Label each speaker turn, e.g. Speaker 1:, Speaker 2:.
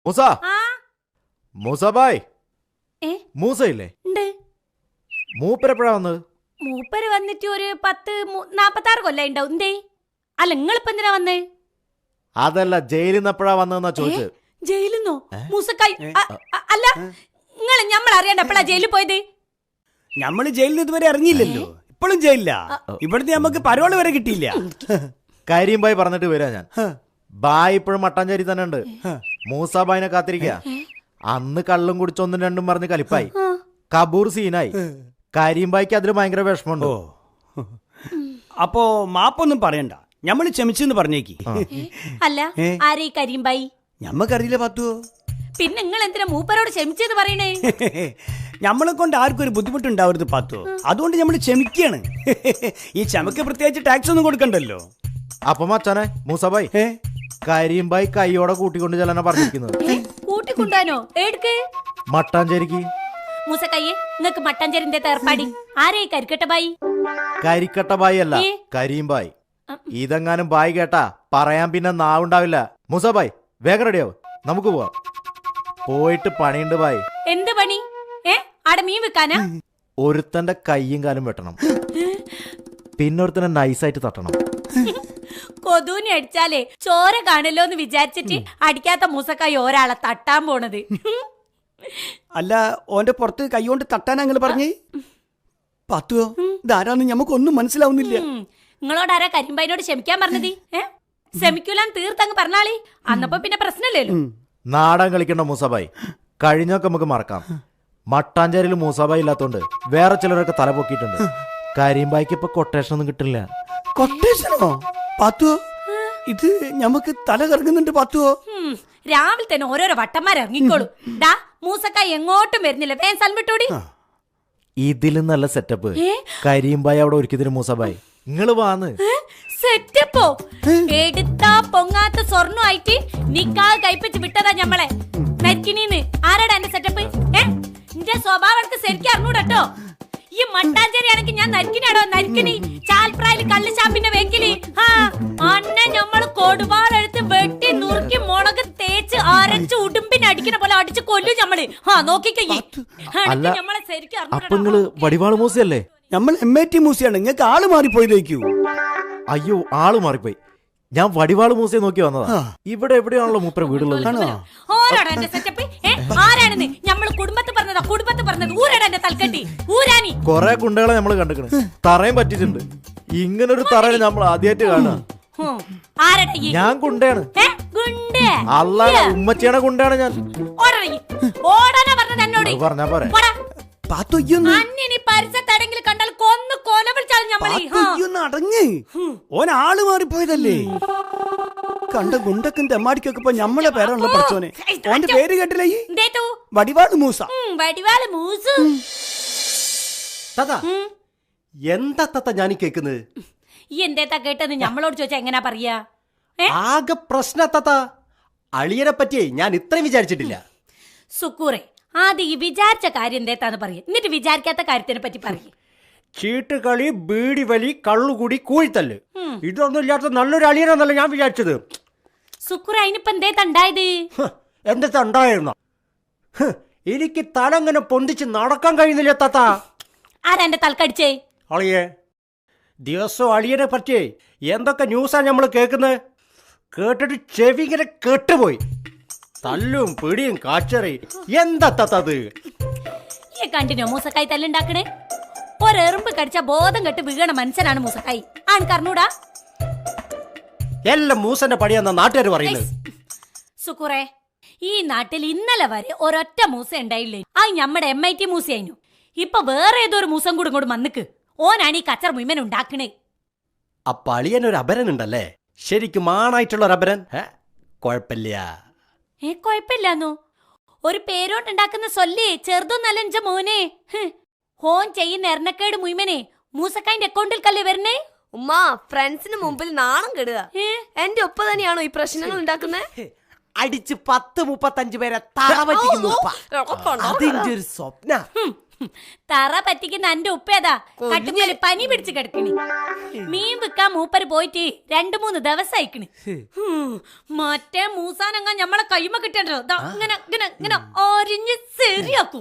Speaker 1: മൂസ മൂസബായ് മൂസയില്ലേ? മൂപ്പരെപ്പോഴാ വന്നത്?
Speaker 2: മൂപ്പര് വന്നിട്ട് ഒരു 46 കൊല്ലം ഉണ്ടാവും. എന്തേ? അല്ല നിങ്ങളിപ്പോ എന്തിനാ വന്നേ?
Speaker 1: അതല്ല, ജയിലിൽ നിന്ന് എപ്പോഴാ വന്നതെന്നാ ചോദിച്ചത്.
Speaker 2: ജയിലിന്നോ? മൂസക്കായി അല്ല, നിങ്ങൾ നമ്മൾ അറിയാണ്ട് എപ്പോഴാ ജയിലിൽ പോയത്?
Speaker 3: നമ്മള് ജയിലിൽ ഇതുവരെ ഇറങ്ങിയില്ലല്ലോ. ഇപ്പോഴും ജയിലില്ല. ഇവിടുത്തെ നമുക്ക് പരോള് വരെ കിട്ടിയില്ല.
Speaker 1: കാര്യം ബായ് പറഞ്ഞിട്ട് വരാ ഞാൻ. ബായ് ഇപ്പോഴും മട്ടാഞ്ചേരി തന്നെ ഉണ്ട്. മൂസാബായിനെ കാത്തിരിക്ക. അന്ന് കള്ളും കുടിച്ച് ഒന്നും രണ്ടും പറഞ്ഞ് കലിപ്പായി. കബൂർ സീനായി. കാരിയമ്പായിക്ക് അതിൽ ഭയങ്കര വിഷമമുണ്ടോ?
Speaker 3: അപ്പോ മാപ്പൊന്നും പറയണ്ട, ഞമ്മള് ക്ഷമിച്ചെന്ന് പറഞ്ഞേക്ക്.
Speaker 2: അല്ല, ആരേ കരിയമ്പായി?
Speaker 3: ഞമ്മക്കറിയില്ല പത്തുവോ.
Speaker 2: പിന്നെ നിങ്ങൾ എന്തിനാ മൂപ്പരോട് ക്ഷമിച്ചെന്ന് പറയണേ?
Speaker 3: ഞമ്മളെ കൊണ്ട് ആർക്കും ഒരു ബുദ്ധിമുട്ടുണ്ടാവരുത് പത്തുവോ, അതുകൊണ്ട് ഞമ്മള് ക്ഷമിക്കാണ്. ഈ ക്ഷമക്ക് പ്രത്യേകിച്ച് ടാക്സ് ഒന്നും കൊടുക്കണ്ടല്ലോ.
Speaker 1: അപ്പൊ മച്ചാനെ മൂസബായ്, കരിയമ്പായി കൈയോടെ കൂട്ടിക്കൊണ്ട് ചെല്ലാനാ പറഞ്ഞിരിക്കുന്നത്.
Speaker 2: കൂട്ടിക്കൊണ്ടാനോ? ഏടുക്ക്?
Speaker 1: മട്ടാഞ്ചേരിക്ക്.
Speaker 2: മൂസക്കയ്യെ, നിങ്ങക്ക് മട്ടാഞ്ചേരിന്റെ തേർപ്പാടി. ആരേ കരിക്കട്ടബായി?
Speaker 1: കരിക്കട്ടബായി അല്ല, കരീംബായി. ഇതെങ്ങാനും ബായ് കേട്ടാ പറയാൻ പിന്നെ നാവുണ്ടാവില്ല. മൂസബായ് വേഗം റെഡിയാവും, നമുക്ക് പോവാം. പോയിട്ട് പണിയുണ്ട് ബായ്.
Speaker 2: എന്ത് പണി? ആടെ മീൻ വെക്കാനാ?
Speaker 1: ഒരുത്തന്റെ കയ്യും കാലും വെട്ടണം, പിന്നെ ഒരുത്തനെ നൈസായിട്ട് തട്ടണം.
Speaker 2: കൊതൂനി അടിച്ചാലേ ചോര കാണല്ലോ എന്ന് വിചാരിച്ചിട്ട് അടിക്കാത്ത മൂസക്കായി ഒരാളെ തട്ടാൻ പോണത്.
Speaker 3: അല്ല, ഓന്റെ പുറത്ത് കൈകൊണ്ട് തട്ടാൻ അങ്ങനെ പറഞ്ഞേ പത്തുവോ? ഇതാരാന്ന് ഞമ്മക്കൊന്നും മനസ്സിലാവുന്നില്ല.
Speaker 2: നിങ്ങളോടാരാ കരിമ്പായിനോട് ക്ഷമിക്കാൻ പറഞ്ഞത്? ക്ഷമിക്കൂലാൻ തീർത്തങ്ങ് പറഞ്ഞാളി, അന്നപ്പോ പിന്നെ പ്രശ്നമില്ലല്ലോ.
Speaker 1: നാടൻ കളിക്കണ്ട മൂസബായ്, കഴിഞ്ഞൊക്കെ നമുക്ക് മറക്കാം. മട്ടാഞ്ചേരിയിൽ മൂസബായ് ഇല്ലാത്തോണ്ട് വേറെ ചിലരൊക്കെ തല പൊക്കിയിട്ടുണ്ട്. കരിമ്പായിക്ക് ഇപ്പൊ കൊട്ടേഷൻ ഒന്നും കിട്ടില്ല.
Speaker 3: കൊട്ടേഷനോ പത്തുവോ? ഇത് ഞമ്മക്ക് തല കറങ്ങുന്നുണ്ട് പത്തുവോ.
Speaker 2: രാവിലെ തന്നെ ഓരോരോ വട്ടന്മാരിറങ്ങിക്കോളൂ. ഡാ മൂസക്കായി എങ്ങോട്ടും വരുന്നില്ല, വേഗം സ്ഥലം വിട്ടോടി.
Speaker 1: ഇതിലും നല്ല സെറ്റപ്പ് കരിമ്പായി അവിടെ ഒരുക്കിയതിന് മൂസബായ്. നിങ്ങള് വാന്ന്.
Speaker 2: സെറ്റപ്പോ? എടുത്താ പൊങ്ങാത്ത സ്വർണ്ണമായിട്ട് നിക്കാഹ് കഴിപ്പിച്ച് വിട്ടതാ ഞമ്മളെ നരിക്കിനീന്ന്. ആരാടാ എന്റെ സെറ്റപ്പ്? എന്റെ സ്വഭാവം ശരിക്കും അറിഞ്ഞൂടട്ടോ. ഈ മട്ടാഞ്ചേരി ആണെങ്കിൽ ഞാൻ നരിക്കിനാടോ? നരിക്കിനി ചാൽപ്രായില് കള്ള് ഷാപ്പിന്റെ വെക്കില് അന്നെ ഞമ്മള് കൊടുവാളെടുത്ത് വെട്ടി നുറുക്കി മുളക് തേച്ച് അരച്ച് ഉടുമ്പിനടിക്കുന്ന പോലെ അടിച്ച് കൊല്ലും ഞമ്മള്. നോക്കിക്കയ്യേ, ഞമ്മളെ ശരിക്കും
Speaker 1: അറിഞ്ഞൂടോ. വടിവാള് മൂസയല്ലേ?
Speaker 3: നമ്മൾ MAT മൂസയാണ്. നിങ്ങൾക്ക് ആള് മാറിപ്പോയതേക്കൂ.
Speaker 1: അയ്യോ, ആള് മാറിപ്പോയി. ഞാൻ വടിവാള് മൂസയെ നോക്കി വന്നതാ. ഇവിടെ എവിടെയാണല്ലോ മൂപ്പര വീടുള്ളത്. കൊറേ കുണ്ടകളെ നമ്മള് കണ്ടിക്കണ്, തറയും പറ്റിട്ടുണ്ട്. ഇങ്ങനൊരു തറയിൽ നമ്മൾ ആദ്യമായിട്ട് കാണാം. ഞാൻ കുണ്ടയാണ്. അല്ലാതെ ഉമ്മച്ചിയുടെ കുണ്ടയാണ് ഞാൻ. പറഞ്ഞാ പോരെ.
Speaker 3: ഓൻ ആള് മാറിപ്പോയതല്ലേ? കണ്ട ഗുണ്ടക്കും തെമ്മാടിക്കൊക്കെ ഇപ്പൊ ഞമ്മളെ പേരാണല്ലോ പഠിച്ചോനെ. ഓന്റെ പേര് കേട്ടില്ലേ? വടിവാള് മൂസ.
Speaker 2: വടിവാള് മൂസ.
Speaker 4: എന്താ തത്ത ഞാൻ കേക്കുന്നത്?
Speaker 2: ഈ എന്തേത്താ കേട്ടെന്ന് ഞമ്മളോട് ചോദിച്ചാ എങ്ങനാ പറയാ?
Speaker 4: ആകെ പ്രശ്ന തത്ത. അളിയനെ പറ്റിയേ ഞാൻ ഇത്രയും വിചാരിച്ചിട്ടില്ല.
Speaker 2: സുക്കൂറെ, ആദ്യം ഈ വിചാരിച്ച കാര്യം എന്തേത്താന്ന് പറയും, എന്നിട്ട് വിചാരിക്കാത്ത കാര്യത്തിനെ പറ്റി പറയും.
Speaker 4: ചീട്ടുകളി, ബീഡി വലി, കള്ളുകൂടി, കൂഴിത്തല്ല്, ഇതൊന്നും ഇല്ലാത്ത നല്ലൊരു അളിയനാന്നല്ല ഞാൻ വിചാരിച്ചത്.
Speaker 2: സുക്കൂറെ, അതിനിപ്പോ എന്തേത്താ ഉണ്ടായത്?
Speaker 4: എന്താ ഉണ്ടായിരുന്ന? എനിക്ക് തലങ്ങനെ പൊന്തിച്ച് നടക്കാൻ കഴിയുന്നില്ല തത്ത.
Speaker 2: ആരാ എന്റെ തലക്കടിച്ചേ?
Speaker 4: അളിയെ, ദിവസവും അളിയനെ പറ്റിയേ എന്തൊക്കെ ന്യൂസാ നമ്മള് കേൾക്കുന്നത്. കേട്ടിട്ട് ചെവി ഇങ്ങനെ കെട്ടുപോയി. തല്ലും പിടിയും കാച്ചറി. എന്താ തത്തത്?
Speaker 2: ഈ കണ്ടിന്യൂ മൂസക്കായി തല്ലുണ്ടാക്കണേ. ഒരെറുമ്പ് കടിച്ച ബോധം കെട്ട് വീഴണ മനുഷ്യനാണ് മൂസക്കായി. ആൺകറിഞ്ഞൂടാ?
Speaker 4: എല്ലാം മൂസന്റെ പടിയാന്ന നാട്ടുകാർ പറയുന്നത്.
Speaker 2: സുക്കുറേ, ഈ നാട്ടിൽ ഇന്നലെ വരെ ഒരൊറ്റ മൂസ ഉണ്ടായില്ലേ, ആ നമ്മുടെ MIT മൂസയായിരുന്നു. ഇപ്പൊ വേറെ ഏതോ ഒരു മൂസം കൂടെ ഇങ്ങോട്ട് വന്നിക്ക്. ഓനാണ് ഈ കച്ചറ മുഴുവൻ ഉണ്ടാക്കണേ.
Speaker 4: അപ്പൊ അളിയനൊരു അപരൻ ഉണ്ടല്ലേ? ശരിക്കും ആണായിട്ടുള്ള ഒരു അപരൻ? കൊഴപ്പില്ല.
Speaker 2: കൊഴപ്പില്ലാന്നോ? ഒരു പേരോണ്ടുണ്ടാക്കുന്ന സൊല്ലേ ചെറുതൊന്നല്ല എന്റെ മോനെ. ഓൻ ചെയ്യുന്ന എറണക്കേട് മുഴുവനെ മൂസക്കായിന്റെ അക്കൗണ്ടിൽ കല്ലേ വരണേ.
Speaker 5: ഉമ്മ, ഫ്രണ്ട്സിന് മുമ്പിൽ നാണം കെടുക. എന്റെ ഒപ്പ തന്നെയാണോ ഈ പ്രശ്നങ്ങൾ ഉണ്ടാക്കുന്നത്?
Speaker 4: അടിച്ച് 10-35 പേരെ തറ പറ്റിക്കുന്നു. അതിന്റെ ഒരു സ്വപ്ന.
Speaker 2: തറ പറ്റിക്കുന്ന എന്റെ ഉപ്പേതാ കട്ടുമേല് പനി പിടിച്ച് കിടക്കണി. മീൻ വിൽക്കാൻ മൂപ്പര് പോയിട്ട് 2-3 ദിവസം അയക്കണ്. മറ്റേ മൂസാനങ്ങ ഞമ്മളെ കൈമ കിട്ടണ്ടോ ഇങ്ങനെ ഇങ്ങനെ ഇങ്ങനെ ഒരിഞ്ഞ് ശരിയാക്കും.